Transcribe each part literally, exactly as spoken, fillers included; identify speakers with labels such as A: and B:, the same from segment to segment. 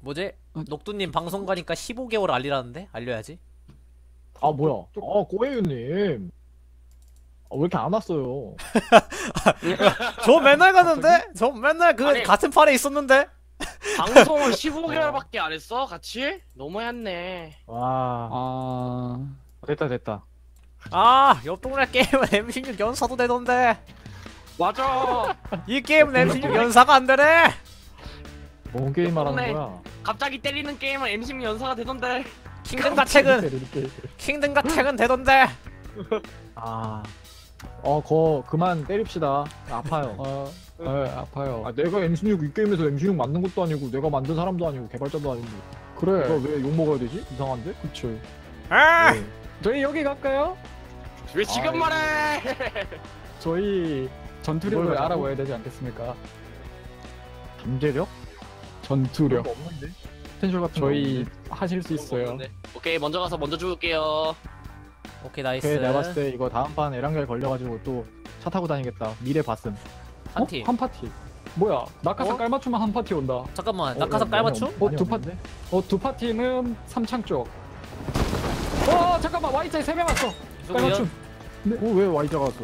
A: 뭐지? 녹두님 방송 가니까 십오 개월 알리라는데? 알려야지.
B: 아 뭐야? 아 꼬에유님. 아, 왜 이렇게 안 왔어요?
A: 저 맨날 가는데? 저 맨날 그
C: 아니.
A: 같은 판에 있었는데?
C: 방송을 십오 개월밖에 안 했어? 같이? 너무했네.
B: 와.
D: 아
B: 됐다 됐다.
A: 아, 옆 동네 게임은 엠십육 연사도 되던데.
C: 맞아.
A: 이 게임은 엠십육 연사가 안 되네.
B: 뭔 게임 말하는
C: 그러네.
B: 거야?
C: 갑자기 때리는 게임은 엠십육 연사가 되던데.
A: 킹든과 택은 킹든과 택은 되던데.
B: 아. 어, 거 그만 때립시다. 아파요.
D: 아, 아 아파요.
B: 아, 내가 엠십육 이 게임에서 엠십육 만든 것도 아니고 내가 만든 사람도 아니고 개발자도 아니고.
D: 그래.
B: 내가 왜 욕 먹어야 되지? 이상한데?
D: 그쵸.
A: 아,
B: 네.
D: 저희 여기 갈까요?
C: 왜 지금
B: 아이고.
C: 말해?
D: 저희 전투력을
B: 뭘
D: 알아봐야 되지 않겠습니까?
B: 잠재력?
D: 전투력.
B: 그런 거 없는데? 포텐셜 같은
D: 저희
B: 거
D: 하실 수 있어요.
C: 없는데. 오케이, 먼저 가서 먼저 죽을게요.
A: 오케이, 나이스.
B: 오케이, 내가 봤을 때 이거 다음 판 에란겔 걸려가지고 또 차 타고 다니겠다. 미래 봤음.
A: 한
D: 어?
A: 팀.
D: 한 파티. 뭐야? 낙하산
A: 어?
D: 깔맞춤만 한 파티 온다.
A: 잠깐만,
B: 어,
A: 낙하산
B: 야,
A: 깔맞춤?
B: 많이
D: 어,
B: 없-
D: 두
B: 많이 없는데?
D: 어, 두 파티는 삼창 쪽. 어, 잠깐만. Y자에 세 명 왔어. 깔맞춤.
A: 수구연?
B: 어, 왜 Y자가 왔어?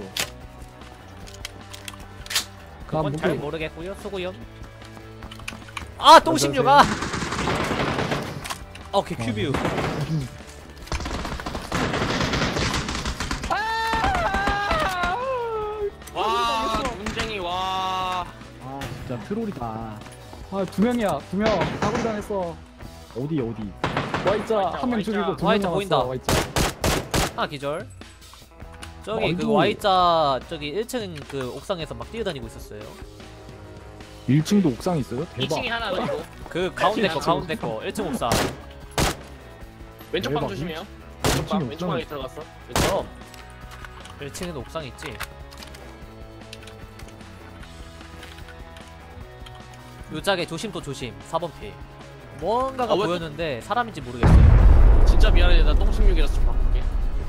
A: 그건
D: 나
A: 잘
D: 무게-
A: 모르겠고요. 수구연. 아, 똥십육. 아. 오케이, 큐뷰.
C: 와, 문쟁이, 와.
B: 아, 진짜 트롤이다.
D: 아, 두 명이야. 두 명. 사고 당했어.
B: 어디, 어디?
D: Y자 한 명
C: Y자.
D: 죽이고 두 명
A: Y자
D: 남았어.
A: 보인다.
D: Y자.
A: 하나 기절. 저기 그
B: 아이고.
A: Y자 저기 일 층 그 옥상에서 막 뛰어다니고 있었어요.
B: 일 층도 옥상 있어요? 대박.
C: 이 층에 하나 그리고
A: 그 가운데 거
C: 층.
A: 가운데 거 일 층 옥상.
C: 왼쪽 방
B: 대박.
C: 조심해요.
B: 일
C: 왼쪽
B: 층에
C: 방, 왼쪽
B: 옥상
C: 방에 들어갔어.
A: 그럼 일 층에도 옥상 있지. 요짝에 조심 또 조심. 사 번 피. 뭔가가
C: 아, 왜 또-
A: 보였는데 사람인지 모르겠어요.
C: 진짜 미안해. 나 똥십육이라서 좀 바꿀게.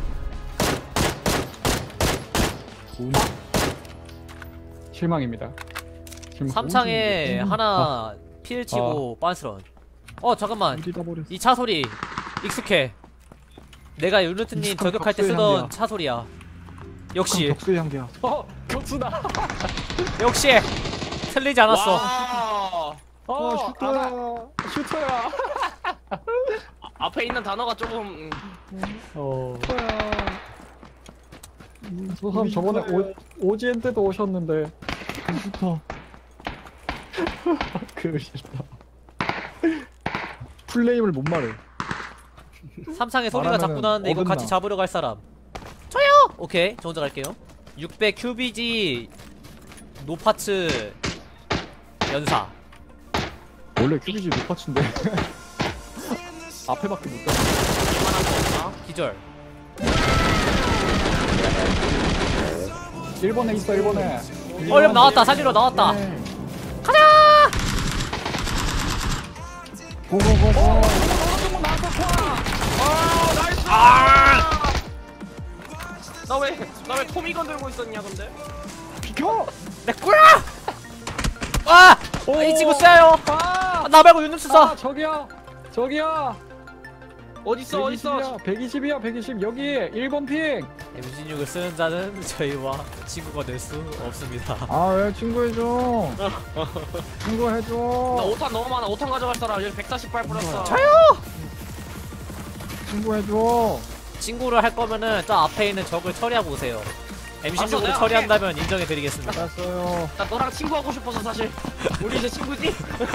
D: 실망입니다. 실망.
A: 삼 창에
B: 음.
A: 하나 필 치고 빤스런. 어 잠깐만.
B: 어디다 버렸어?
A: 이 차 소리 익숙해. 내가 유니트님
B: 익숙한
A: 저격할 때
B: 격수의
A: 쓰던
B: 향기야.
A: 차 소리야. 역시
B: 격수의 향기야.
D: 어, 격수다.
A: 역시 틀리지 않았어.
C: 와.
D: 어,
B: 슈터야.
D: 알아. 슈터야.
C: 아, 앞에 있는 단어가 조금 음,
D: 어. 저 사람 저번에 오, 오지엔 때도 오셨는데.
B: 슈터.
D: 그 싫다.
B: 풀네임을 못 말해.
A: 삼창에 소리가 자꾸
B: 말하면은
A: 나는데 이거
B: 어긋나.
A: 같이 잡으러 갈 사람. 저요! 오케이, 저 혼자 갈게요. 육백 큐비지 노파츠 연사.
B: 원래 큐비지 높아친데. 앞에밖에 못 가.
C: 이만한 거 없나?
A: 기절.
D: 일본에 있어, 일본에.
A: 얼른 나왔다, 살리러 나왔다.
B: 네.
A: 가자!
B: 고고고고.
C: 아, 나이스! 아! 나 왜, 나 왜 토미건 들고 있었냐, 근데?
B: 비켜.
A: 내 거야! 아! 아, 이 친구 쎄요.
D: 아!
A: 아, 나 말고 유니트
D: 아,
A: 쏴.
D: 저기야. 저기야.
C: 어딨어, 어딨어?
D: 백이십이야, 백이십. 여기 일 번 핑.
A: 엠십육을 쓰는 자는 저희와 친구가 될 수 없습니다.
B: 아, 왜 친구해줘. 친구해줘.
C: 나 오 탄 너무 많아. 오 탄 가져갈 사람. 여기 백사십팔 뿌렸어.
A: 저요!
B: 친구해줘.
A: 친구를 할 거면은 저 앞에 있는 적을 처리하고 오세요. 엠십육으로
C: 내가
A: 처리한다면 인정해드리겠습니다.
B: 알았어요.
C: 나 너랑 친구하고 싶어서 사실. 우리 이제 친구지?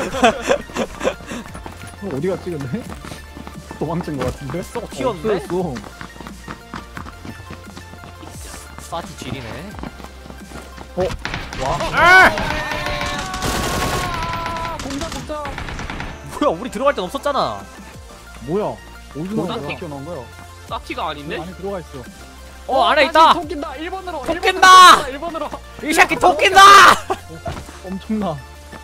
B: 어, 어디 갔지 근데?
D: 도망친 것 같은데?
A: 쏙 튀었는데?
B: 없어졌어.
A: 사티 쥐리네.
B: 어?
A: 와. 아!
D: 아, 공자, 공자.
A: 뭐야, 우리 들어갈 땐 없었잖아.
B: 뭐야? 어디서
C: 뭐,
B: 나온
C: 나
B: 거야?
D: 튀어나온 거야.
C: 사티가 아닌데?
B: 안에 들어가 있어.
A: 어, 안에 있다!
D: 토 낀다. 일 번으로.
A: 토 낀다!
D: 일 번으로.
A: 이 새끼 토끼다!
B: 엄청나.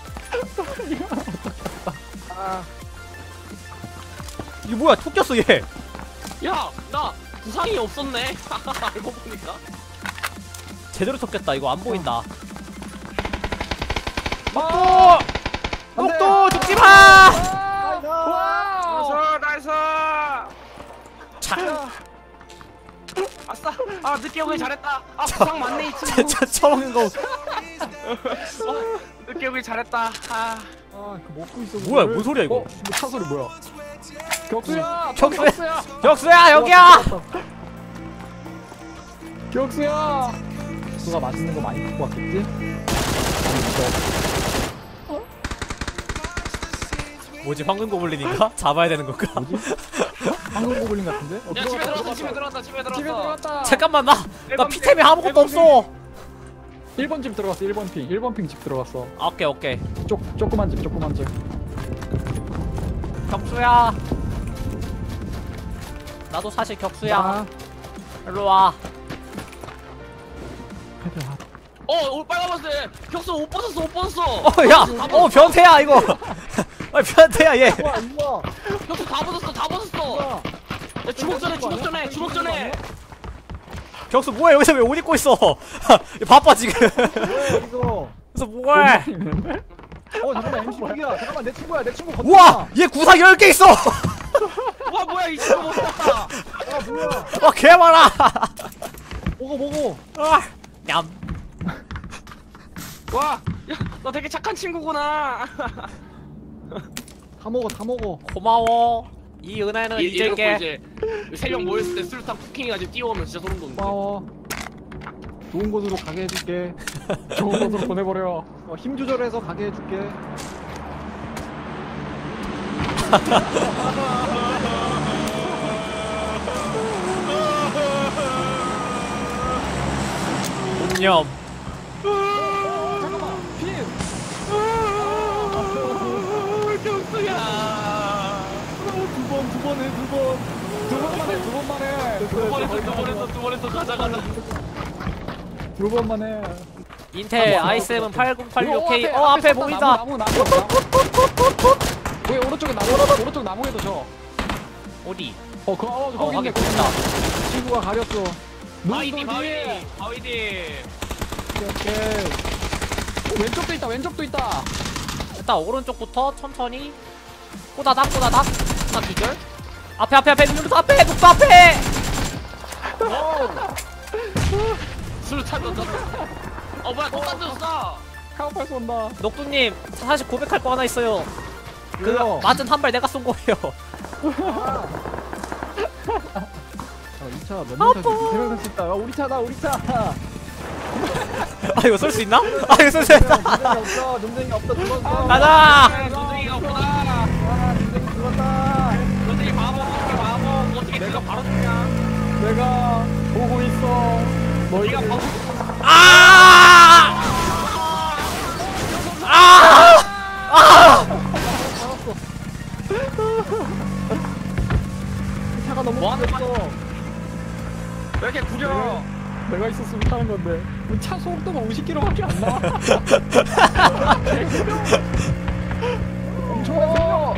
A: 이거 뭐야, 토꼈어, 얘.
C: 야! 나 부상이 없었네. 알고 보니까.
A: 제대로 토꼈다. 이거 안 보인다.
D: 아!
A: 녹도! 녹도! 죽지 마!
D: 아!
C: 살았다. 아 늦게 오길 잘했다. 아 부상 맞네 이 친구.
A: 진짜 처먹는 거.
C: 어, 늦게 오길 잘했다. 아
B: 아, 그 먹고 있어.
A: 뭐야, 뭔 소리야, 이거?
B: 어, 차 소리 뭐야?
D: 격수야.
A: 격수야.
D: 격수야.
A: 격수야, 여기야!
D: 격수야.
B: 격수가 맛있는 거 많이 갖고 왔겠지?
A: 뭐지, 황금 고블린인가? 잡아야 되는 건가?
B: 황금 고블린 같은데? 어,
C: 야 집에
B: 들어갔다,
C: 들어갔다 집에 들어갔다 집에 들어갔다.
D: 집에 들어갔다.
A: 잠깐만, 나, 나
C: 일번
A: 피템이
C: 핑,
A: 아무것도
C: 일번
A: 없어!
D: 일 번 집 들어갔어. 일 번 핑. 일 번 핑 집 들어갔어.
A: 아, 오케이, 오케이.
D: 쪼 조그만 집 조그만 집.
A: 격수야. 나도 사실 격수야.
B: 나
A: 일로 와.
B: 헤드 하.
C: 어, 오 빨간 버스. 격수 옷 벗었어, 옷 벗었어.
A: 어, 야! 어, 변태야, 이거! 아, 변태야, 얘!
B: 우와, 우와,
C: 격수 다 벗었어, 다 벗었어.
B: 우와.
C: 야, 주먹 전에, 주먹 전에, 주먹 전에.
A: 격수 뭐야, 여기서 왜 옷 입고 있어? 바빠, 지금.
B: 뭐야, 이거.
A: 그래서 뭐해?
B: 어, 잠깐만, 엠씨야. 잠깐만, 내 친구야, 내 친구 건너.
A: 우와! 얘 구상 열 개 있어!
C: 와, 뭐야, 이 친구 못 봤다.
B: 아, 뭐야.
A: 와, 개 많아!
B: 먹어, 먹어.
A: 아, 냠.
C: 와, 야, 너 되게 착한 친구구나.
B: 다 먹어, 다 먹어.
A: 고마워. 이 은혜는
C: 이- 이래놓고
A: 잊을게.
C: 이제 세 명 모였을 때 수류탄 쿠킹해가지고 뛰어오면 진짜 소름 돋는데.
B: 고마워. 좋은 곳으로 가게 해줄게.
D: 좋은 곳으로 보내버려.
B: 어, 힘 조절해서 가게 해줄게.
A: 냠.
B: 잠깐만, 핀.
C: 경수야.
B: 두 번, 두 번 해, 두 번.
D: 두 번만 해. 두 번만 해.
C: 두 번 했어, 두 번 했어, 두 번 했어. 가자, 가자.
B: 두 번만 해.
A: 인텔 아이 세븐 팔공팔육 케이.
D: 이거
A: 어, 앞에
D: 섰다,
A: 보인다.
D: 나무 나무 나무. 나무. 거기 오른쪽에 나무 오른쪽 나무에도 저.
A: 어디?
D: 어, 그, 어,
A: 어,
D: 거기 있네.
A: 확인
D: 거기
A: 됐다.
D: 있다.
B: 친구가 가렸어.
C: 바위디,
D: 눈
C: 바위디,
D: 뒤에.
C: 바위디.
B: 오케이.
D: 어, 왼쪽도 있다. 왼쪽도 있다.
A: 일단 오른쪽부터 천천히. 꼬다닥, 꼬다닥. 하나 기절. 앞에, 앞에, 앞에, 눈부터 앞에, 눈부 앞에!
C: 수류탄 던졌어. 어, 뭐야, 또 던졌어.
D: 카우팔 쏜다.
A: 녹두님, 사실 고백할 거 하나 있어요. 그,
B: 왜요?
A: 맞은 한 발 내가 쏜 거예요.
B: 아, 이 차 몇 명 타지? 세명 탈 수 있다. 야, 우리 차다, 우리 차.
A: 아, 이거 쏠 수 있나? 아, 이거 쏠 수 있다.
B: 논쟁이 없어, 논쟁이 없어. 죽었어.
A: 가자!
C: 논쟁이가 없구나.
B: 아, 논쟁이 죽었다.
C: 논쟁이 바보, 어떻게 바보. 어떻게 내가 바로 죽냐.
D: 내가 보고 있어.
C: 너희가 바보.
A: 아! 아! 아!
B: 이 차가 너무
C: 뭐 하는
B: 죽었어.
C: 왜 이렇게 구려?
D: 내가 있었으면 타는 건데. 우리 차 속도가 오십 킬로미터밖에 안 나와.
B: 멈춰.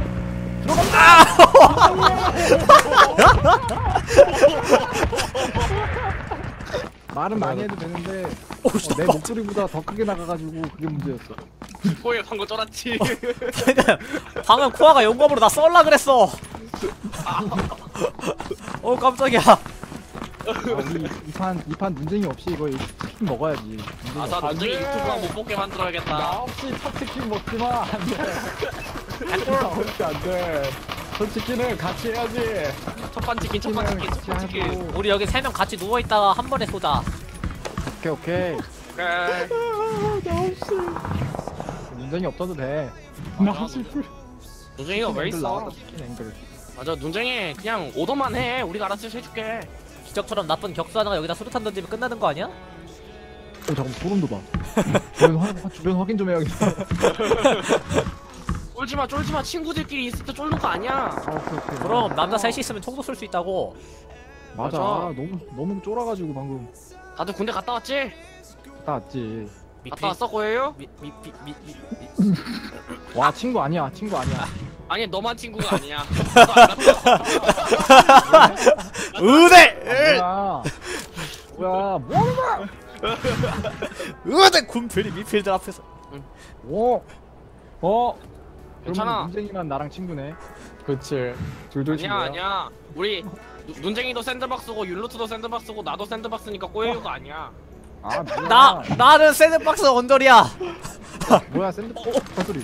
B: 말은 많이 해도 되는데
A: 오,
B: 어,
A: 씨,
B: 내 목소리보다 더 크게 나가가지고 그게 문제였어.
C: 꼬에 방금 쫄았지.
A: 방금 코아가 용검으로 나 썰라 그랬어. 어, 깜짝이야.
B: 아, 우리 이판 이판 논쟁이 없이 이거 치킨 먹어야지. 논쟁이
C: 아, 나
B: 없어.
C: 논쟁이 유튜브가 못 보게
D: 나
C: 만들어야겠다.
D: 없이 첫 치킨 먹지 마. 안 돼. 나 없이 안 돼. 첫 치킨은 같이 해야지.
C: 첫판 치킨, 첫판 치킨, 첫판 치킨.
B: 하고.
A: 우리 여기 세 명 같이 누워 있다가 한 번에 쏘자.
B: 오케이 오케이.
C: 그래.
B: 논쟁이 없어도 돼.
D: 나 없이 풀.
C: 논쟁이가 왜
B: 앵글
C: 있어?
B: 나왔다, 치킨 앵글.
C: 맞아, 논쟁이 그냥 오더만 해. 우리가 알아서 해줄게.
A: 기적처럼 나쁜 격수 하나가 여기다 수류탄 던지면 끝나는 거 아니야?
B: 어 잠깐 소름 돋아. 주변, 확, 주변 확인 좀 해야겠어.
C: 쫄지마, 쫄지마. 친구들끼리 있을 때 쫄는 거 아니야.
B: 아, 오케이 오케이.
A: 그럼 남자 셋이 있으면 총도 쏠 수 있다고.
B: 맞아.
C: 맞아.
B: 너무 너무 쫄아가지고 방금
C: 다들 군대 갔다 왔지?
B: 갔다 왔지.
C: 갔다 왔어, 고예요?
A: 미, 미, 미, 미, 미.
B: 와 친구 아니야 친구 아니야.
C: 아니, 너만 친구가 아니야. 너도 알았어.
A: 의대!
B: 뭐야? 뭐야? 뭐하는 거야?
A: 의대! 군필이 미필드 앞에서.
B: 오.
D: 어?
C: 괜찮아.
D: 문쟁이만 나랑 친구네. 그치. 둘둘
C: 아니야
D: 친구야.
C: 아니야. 우리 누- 눈쟁이도 샌드박스고 율루트도 샌드박스고 나도 샌드박스니까 꼬예요가 아니야.
D: 아 뭐야.
A: 나 나는 샌드박스 언더리야.
D: 뭐야 샌드. 어, 발소리.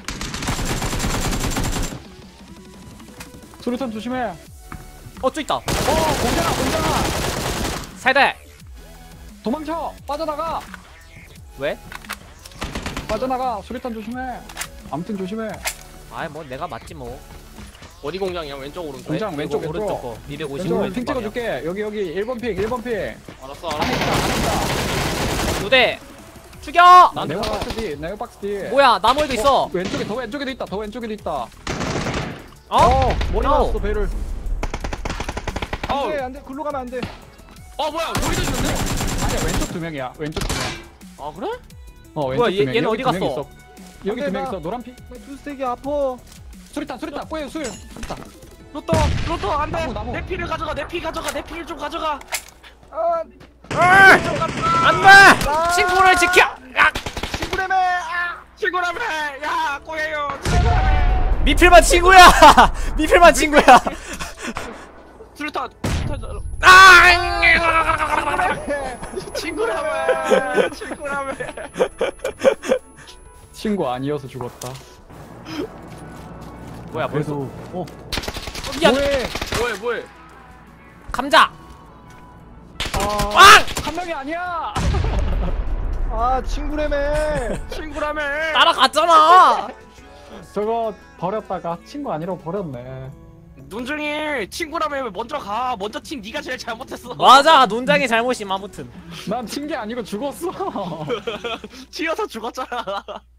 D: 수류탄 조심해.
A: 어, 저 있다.
D: 어, 공장아, 공장아.
A: 세대.
D: 도망쳐. 빠져나가.
A: 왜?
D: 빠져나가. 수류탄 조심해. 아무튼 조심해.
A: 아이 뭐 내가 맞지 뭐.
C: 어디 공장이야? 왼쪽 오른쪽?
D: 공장
A: 왼-
D: 왼쪽
A: 이거
D: 왼쪽.
A: 오른쪽 거. 이백오십
D: 왼쪽
A: 왼쪽
D: 핑
A: 방향.
D: 찍어줄게. 여기 여기 일 번 핑, 일 번 핑.
C: 알았어
D: 안에
C: 알았어.
D: 있다, 안에 있다.
A: 두 대. 죽여.
D: 난 네오 박스 뒤, 네오 박스 뒤.
A: 뭐야 나무에도 있어.
D: 왼쪽에 더 왼쪽에도 있다. 더 왼쪽에도 있다.
A: 어?
D: 어, 머리
A: No.
D: 맞았어 배를.
C: 어우.
D: 안돼 안돼 글로 가면 안돼.
C: 어 뭐야? 우리도 있는데?
D: 아니야 왼쪽 두 명이야. 왼쪽 두 명.
C: 아 그래?
D: 어 왼쪽
A: 뭐야,
D: 두
A: 얘-
D: 명.
A: 얘는
D: 여기
A: 어디
D: 두 명
A: 갔어?
D: 있어. 여기 두 명 있어. 노란 피.
B: 투스택이 아파.
D: 수리탄 수리탄 꼬여 술. 수리탄.
C: 로또 로또 안돼.
D: 나무, 나무.
C: 내 피를 가져가. 내 피 가져가. 내 피를 좀 가져가.
B: 아,
A: 안돼. 친구를 지켜. 야!
C: 친구라며. 아, 친구라며. 야 꼬예요. 친구라며.
A: 미필만 친구야. 미필만 친구야.
C: 수류탄. 수류탄.
A: 아!
C: 친구라며. 친구라며.
D: 친구 아니어서 죽었다.
A: 뭐야 벌써?
B: 그래도 어,
A: 미안.
D: 뭐해?
C: 뭐해 뭐해?
A: 감자.
D: 아,
A: 빵!
D: 한 명이 아니야.
B: 아 친구래매.
C: 친구라며.
A: 따라갔잖아.
D: 저거 버렸다가 친구 아니라고 버렸네.
C: 눈중이 친구라며 왜 먼저 가. 먼저 팀 네가 제일 잘못했어.
A: 맞아 논장의 잘못임 아무튼.
D: 난 친 게 아니고 죽었어.
C: 튀어서 죽었잖아.